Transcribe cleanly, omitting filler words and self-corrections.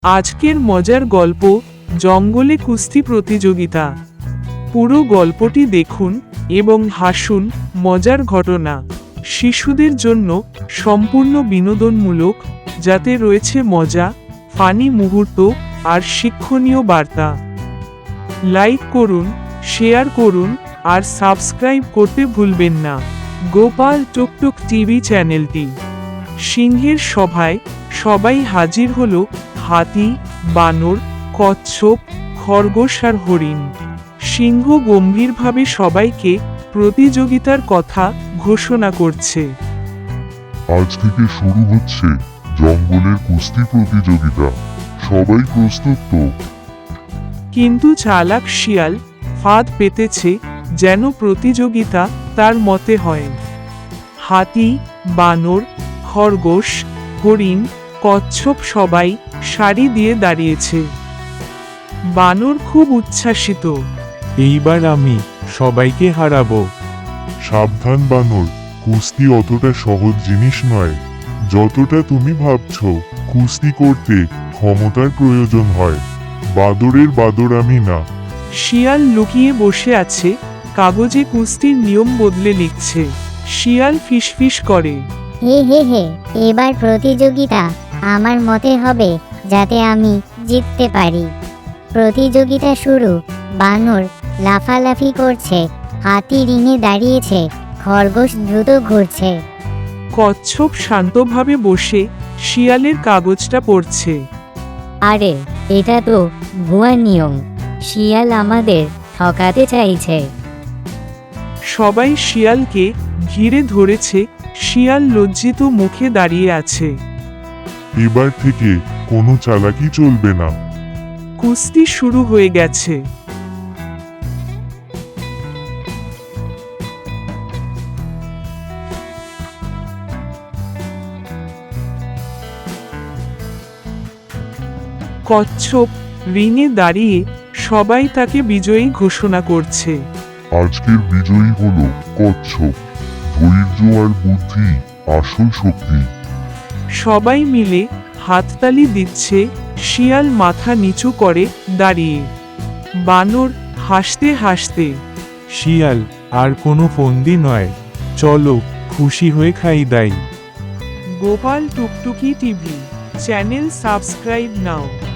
আজকের মজার গল্প জঙ্গলে কুস্তি প্রতিযোগিতা। পুরো গল্পটি দেখুন এবং হাসুন। মজার ঘটনা শিশুদের জন্য সম্পূর্ণ বিনোদনমূলক, যাতে রয়েছে মজা, ফানি মুহূর্ত আর শিক্ষণীয় বার্তা। লাইক করুন, শেয়ার করুন আর সাবস্ক্রাইব করতে ভুলবেন না গোপাল টুকটুক টিভি চ্যানেলটি। সিংহের সভায় সবাই হাজির হলো। হাতি, বানর, কচ্ছপ, খরগোশ আর হরিণ। সিংহ গম্ভীরভাবে সবাইকে প্রতিযোগিতার কথা ঘোষণা করছে। আজ থেকে শুরু হচ্ছে জঙ্গলের কুস্তি প্রতিযোগিতা। সবাই প্রস্তুত তো? কিন্তু চালাক শিয়াল ফাঁদ পেতেছে যেন প্রতিযোগিতা তার মতে হয়। হাতি, বানর, খরগোশ, হরিণ, কচ্ছপ সবাই সারি দিয়ে দাঁড়িয়েছে। বানর খুব উচ্ছ্বাসিত। এইবার আমি সবাইকে হারাবো। সাবধান বানর, কুস্তি অতটা সহজ জিনিস নয় যতটা তুমি ভাবছো। কুস্তি করতে ক্ষমতার প্রয়োজন হয়। বাদরের বাদর আমি না। শিয়াল লুকিয়ে বসে আছে, কাগজে কুস্তির নিয়ম বদলে লিখছে। শিয়াল ফিসফিস করে, হে হে হে, এবার প্রতিযোগিতা আমার মতে হবে, যাতে আমি জিততে পারি। প্রতিযোগিতা শুরু। বানর লাফালাফি করছে, হাতি রিঙে দাঁড়িয়েছে, খরগোশ দ্রুত ঘুরছে। কচ্ছপ শান্তভাবে বসে শিয়ালের কাগজটা পড়ছে। আরে, এটা তো ভুয়া নিয়ম। শিয়াল আমাদের ঠকাতে চাইছে। সবাই শিয়ালকে ঘিরে ধরেছে। শিয়াল লজ্জিত মুখে দাঁড়িয়ে আছে। এবার থেকে কোনো চালাকি চলবে না। কুস্তি শুরু হয়ে গেছে। কচ্ছপ রিঙে দাঁড়িয়ে সবাই তাকে বিজয়ী ঘোষণা করছে। আজকের বিজয়ী হলো কচ্ছপ। ধৈর্য আর বুদ্ধি আসল শক্তি। সবাই মিলে হাততালি দিচ্ছে। শিয়াল মাথা নিচু করে দাঁড়িয়ে। বানর হাসতে হাসতে, শিয়াল আর কোনো ফন্দি নয়, চলো খুশি হয়ে খাই দাই। গোপাল টুকটুকি টিভি চ্যানেল সাবস্ক্রাইব নাও।